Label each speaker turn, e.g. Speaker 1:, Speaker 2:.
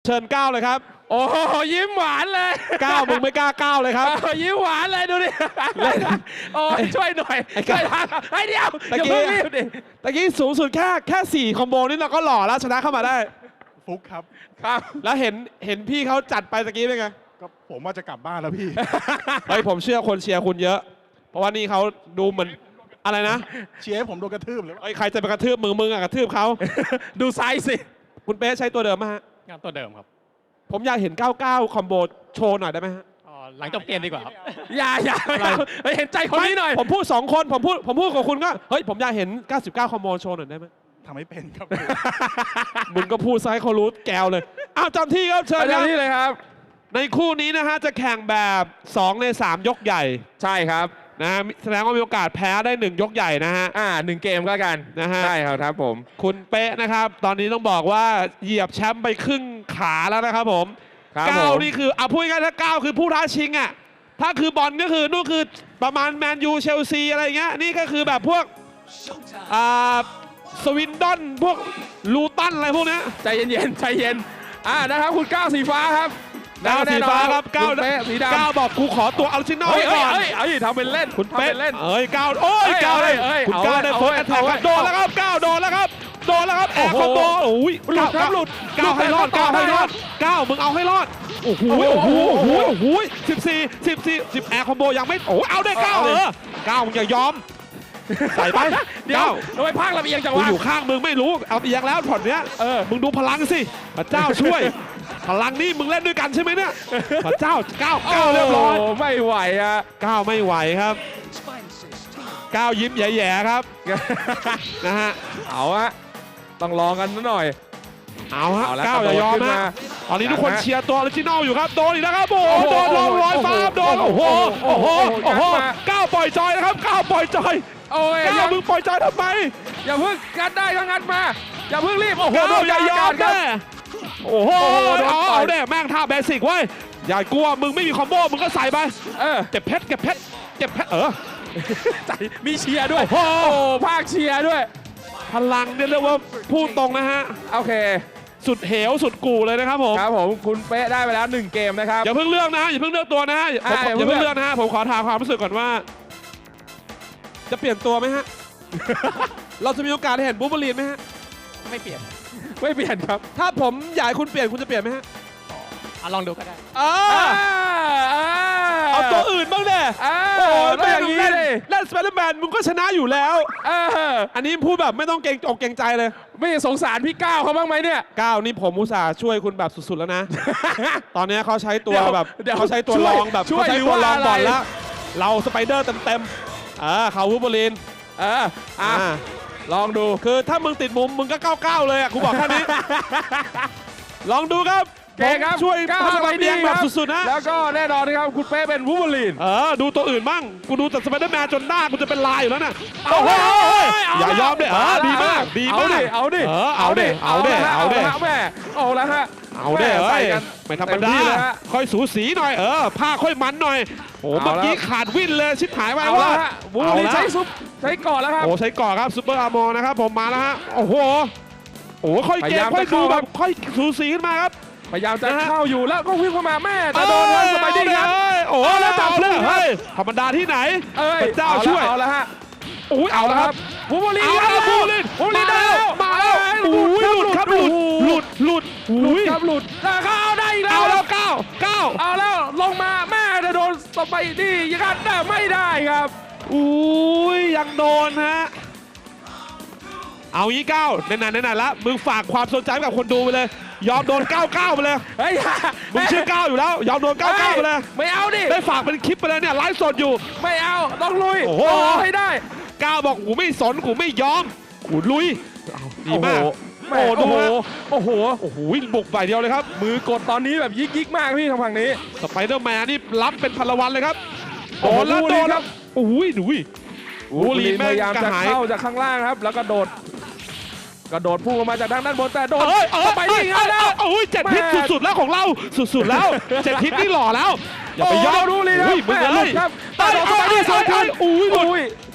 Speaker 1: เชิญก้าวเลยครับ
Speaker 2: โอ้ยิ้มหวานเลย
Speaker 1: ก้าวมึงไม่กล้าก้าวเลยครับ
Speaker 2: ยิ้มหวานเลยดูดิโอ้ช่วยหน่อยช่วยทางไอ้เดียวอย่าเพิ่งรีบดิ
Speaker 1: ตะกี้สูงสุดแค่4คอมโบนี่เราก็หล่อแล้วชนะเข้ามาได้
Speaker 3: ฟุกครับ
Speaker 1: แล้วเห็นพี่เขาจัดไปตะกี้เป็นไง
Speaker 3: ก็ผมว่าจะกลับบ้านแล้วพี่
Speaker 1: เฮ้ยผมเชื่อคนเชียร์คุณเยอะเพราะว่านี่เขาดูเหมือนอะไรนะ
Speaker 3: เชียร์ให้ผมโดนกระทืบหรือ
Speaker 1: ใครจะไปกระทืบมึงอะกระทืบเขา
Speaker 2: ดูไซส์สิ
Speaker 1: คุณเป๊ะใช้ตัวเดิมไหมฮะ
Speaker 2: งานตัวเดิมครับ
Speaker 1: ผมอยากเห็น99คอมโบโชว์หน่อยได้ไหมฮะ
Speaker 2: หลังจบเกมดีกว่าครับอย่าเห็นใจคนนี้หน่อย
Speaker 1: ผมพูด2คนผมพูดกับคุณก็เฮ้ยผมอยากเห็น99คอมโบโชว์หน่อยได้ไหม
Speaker 3: ทำไม่เป็นครับ
Speaker 1: มึงก็พูดซะให้เขารู้แกวเลยอ้าวจำที่ครับเชิญ
Speaker 2: จำที่เลยครับ
Speaker 1: ในคู่นี้นะฮะจะแข่งแบบ2ใน3ยกใหญ่
Speaker 2: ใช่ครับ
Speaker 1: นะแสดงว่ามีโอกาสแพ้ได้1ยกใหญ่นะฮะ
Speaker 2: 1เกมก็กัน
Speaker 1: นะฮะ
Speaker 2: ใช่ครับผม
Speaker 1: คุณเป๊ะนะครับตอนนี้ต้องบอกว่าเหยียบแชมป์ไปครึ่งขาแล้วนะครับผม9นี่คือพูดง่ายๆถ้า9คือผู้ท้าชิงอ่ะถ้าคือบอลก็คือนู่นคือประมาณแมนยูเชลซีอะไรเงี้ยนี่ก็คือแบบพวกสวินดอนพวกลูตันอะไรพวกนี้
Speaker 2: ใจเย็นใจเย็นนะครับคุณก้าวสีฟ้าครับ
Speaker 1: ก้าวสีฟ้าครับก้าว
Speaker 2: สีดำ
Speaker 1: ก้าวบอกกูขอตัวออริจินอลก่อน
Speaker 2: ทำเป็นเล่น
Speaker 1: คุณเป๊ะก้าวโอ้ยก้าวเลยคุณก้าวได้โฟร์แอตแทกโดนแล้วครับก้าวโดนแล้วครับแอร์คอมโบโอ้ย
Speaker 2: หลุดครับหลุด
Speaker 1: ก้าวให้รอดก้าวมึงเอาให้รอดโอ้โห14 10แอร์คอมโบยังไม่เอาได้ก้าวก้าวมึงอย่ายอมใส่ไป
Speaker 2: เดี๋ยวทำไมภาคลำเอียงจังวะ
Speaker 1: อยู่ข้างมึงไม่รู้เอาเอียงแล้วผ่อนเนี้ยมึงดูพลังสิพระเจ้าช่วยพลังนี่มึงเล่นด้วยกันใช่ไหมเนี่ยพระเจ้าก้าวเรียบร้อย
Speaker 2: ไม่ไหว
Speaker 1: ก้าวไม่ไหวครับก้าวยิ้มแย่ๆครับนะฮะ
Speaker 2: เอาต้องลองกันหน่อย
Speaker 1: เอาฮะก้าวอย่ายอมนะตอนนี้ทุกคนเชียร์ตัวออริจินอลอยู่ครับโดนอีกแล้วครับโอ้โดนลงร้อยฟ้าโดนโอ้โหก้าวปล่อยจอยนะครับก้าวปล่อยจอยก้าวมึงปล่อยจอยทำไม
Speaker 2: อย่าเพิ่งงัดได้ก็งัดมาอย่าเพิ่งรีบ
Speaker 1: โอ้โหอย่ายอมแน่โอ้โหเอาเด้แม่งท่าเบสิกเว้ยอย่ากลัวมึงไม่มีคอมโบมึงก็ใส่ไปเก็บเพชร
Speaker 2: ใจมีเชียร์ด้วยโอ้ภาคเชียร์ด้วย
Speaker 1: พลังเนี่ยเรียกว่าพูดตรงนะฮะ
Speaker 2: โอเค
Speaker 1: สุดเหวสุดกูเลยนะครับผม
Speaker 2: ครับผมคุณเป๊ะได้ไปแล้ว1เกมนะครับ
Speaker 1: อย่าเพิ่งเลือกนะอย่าเพิ่งเลือกตัวนะอย่าเพิ่งเลือกนะฮะผมขอถามความรู้สึกก่อนว่าจะเปลี่ยนตัวไหมฮะเราจะมีโอกาสเห็นบูเบอรีนไหมฮะ
Speaker 2: ไม่เปลี่ยนครับ
Speaker 1: ถ้าผมอยากให้คุณเปลี่ยนคุณจะเปลี่ยนไหมฮะ
Speaker 2: ลองดูก็ได้
Speaker 1: เอาตัวอื่นบ้างเด้โอ้ยไม่อย่างนี้เล่นสไปเดอร์แมนมึงก็ชนะอยู่แล้วอันนี้พูดแบบไม่ต้องเกรงอกเกรงใจเลย
Speaker 2: ไม่สงสารพี่ก้าวเขาบ้างไหมเนี่ย
Speaker 1: ก้าวนี่ผมอุตส่าห์ช่วยคุณแบบสุดๆแล้วนะตอนนี้เขาใช้ตัวแบบเขาใช้ตัวรองแบบเขาใช้ตัวรองบอลแล้วเราสไปเดอร์เต็มเขาวูบอลีน
Speaker 2: ลองดู
Speaker 1: คือถ้ามึงติดมุมมึงก็99เลยกูบอกแค่นี้ลองดูครับช่วย
Speaker 2: ก้าวสไปเดอร์
Speaker 1: แบบสุดๆนะ
Speaker 2: แล้วก็แน่นอนนะครับคุณเป้เป็นวูบอลีน
Speaker 1: ดูตัวอื่นบ้างกูดูแต่สไปเดอร์แมนจนหน้ากูจะเป็นลายอยู่แล้วน่ะอย่ายอมเลยดีมาก
Speaker 2: เอาดิ
Speaker 1: แม่เอาไม่ธรรมดาค่อยสูสีหน่อยผ้าค่อยมันหน่อยโอ้เมื่อกี้ขาดวิ่นเลยชิบหายไปว่า
Speaker 2: วูบอลีนใช้ก่อนแล้วครับ
Speaker 1: ใช้ก่อนครับซุปเปอร์อาร์มอร์นะครับผมมาแล้วฮะโอ้โหค่อยเกมค่อยดูแบบค่อยสูสีขึ้นมาครับ
Speaker 2: พยายามจะเข้าอยู่แล้วก็วิ่งเข้ามาแม่แต่โดนสไปเดอร์ครับ
Speaker 1: แล้วจับเลยธรรมดาที่ไหนเจ้าช่วย
Speaker 2: เอาแล้วฮะ
Speaker 1: เอาแล้วครับ
Speaker 2: วูบอลีน
Speaker 1: ได้แล้วมาแล้วหลุดครับหลุด
Speaker 2: แล้วเขาเอาได้อีกแล้ว
Speaker 1: เอาแล้ว9
Speaker 2: เอาแล้วลงมาแม่จะโดนสไปเดอร์ยังกันแต่ไม่ได้ครับ
Speaker 1: ยังโดนฮะเอางี้9นานละมึงฝากความสนใจกับคนดูไปเลยยอมโดน99ไปเลยมึงชื่อ9อยู่แล้วยอมโดน99ไปเลย
Speaker 2: ไม่เอาดิ
Speaker 1: ได้ฝากเป็นคลิปไปเลยเนี่ยไลฟ์สดอยู่
Speaker 2: ไม่เอาต้องลุยให้ได้
Speaker 1: 9บอกกูไม่สนกูไม่ยอมกูลุยดีมากโอ้โหบุกใบเดียวเลยครับ
Speaker 2: มือกดตอนนี้แบบยิกมากพี่ทางฝั่งนี้
Speaker 1: สไปเดอร์แมนนี่รับเป็นพลวันเลยครับโดนแล้ววู
Speaker 2: ลีพยายามจะเข้าจากข้างล่างครับแล้วก็กระโดดพุ่งออกมาจากทางด้านบนแต่โดน
Speaker 1: ไปนี่แล้วเจ็ดพิษสุดๆแล้วของเราสุดๆแล้วเจ็ดพิษนี่หล่อแล้วอย่าไปยอม
Speaker 2: ดูเลยนะ
Speaker 1: มึงเลย
Speaker 2: ครับแต่โดนไปที่สองคน